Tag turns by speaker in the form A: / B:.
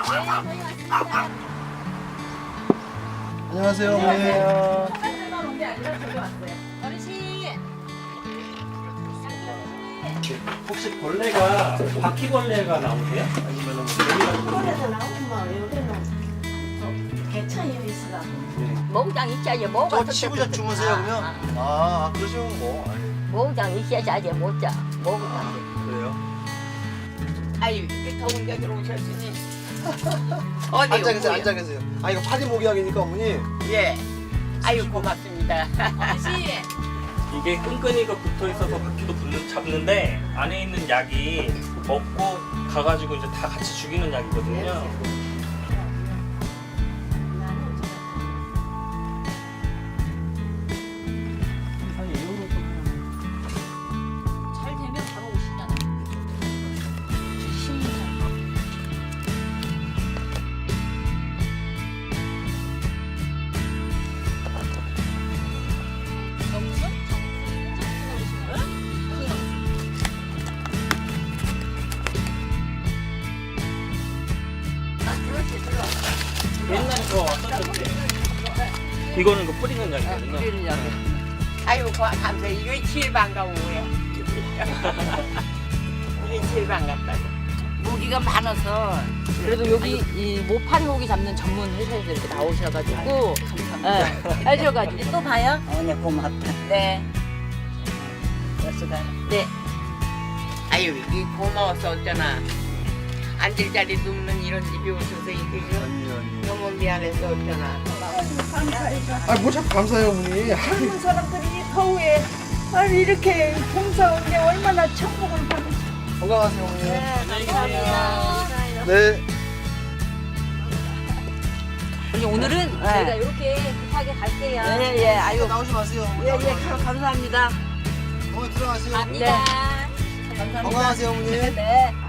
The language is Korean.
A: 안녕하세요, 어머니.
B: 혹시 벌레가 바퀴벌레가 나오세요? 아니면
C: 털에서 나오면 여기는 개천이 있어.
D: 몽장 있어야지 뭐가
A: 저 치부자 주무세요, 그러면? 아, 그러시면 뭐. 아니,
D: 몽장 있어야지 못자 몽장.
A: 그래요?
E: 아유 이렇게 더운 데 들어오셨으니 어디
A: 앉아 계세요,
E: 오고요?
A: 앉아 계세요. 아, 이거 파리 모기약이니까, 어머니.
E: 예. 아유 고맙습니다.
B: 이게 끈끈이가 붙어 있어서 바퀴도 잡는데 안에 있는 약이 먹고 가가지고 이제 다 같이 죽이는 약이거든요.
D: 잘 되면 바로 오시잖아.
B: 옛날에 저 왔었는데 이거는 그 뿌리는 약이거든요.
E: 아유 감사. 이게 제일 반가워요. 이게 제일 반갑다고. 무기가 많아서
F: 그래도 여기 이 모파리 모기 잡는 전문 회사에서 이렇게 나오셔가지고 해줘가지고 또 봐요.
E: 네 고맙다.
F: 네. 네.
E: 아유 이게 고마워서 어쩌나 앉을 자리도 없는 이런 집에 오셔서 이게 너무 미안해서 어쩌나.
A: 아, 뭐 자꾸 감사해요, 어머니.
C: 젊은 사람들이 이 더위에 아니 이렇게 봉사하는데 얼마나 천국을 받으시.
A: 건강하세요, 어머니.
D: 감사합니다.
A: 네.
F: 우리 오늘은 저희가 이렇게 급하게 갈게요.
C: 예예 아유
A: 나오지 마세요, 어머니.
C: 예예 감사합니다.
A: 어머니 들어가세요.
D: 갑니다.
A: 건강하세요, 어머니.
C: 네.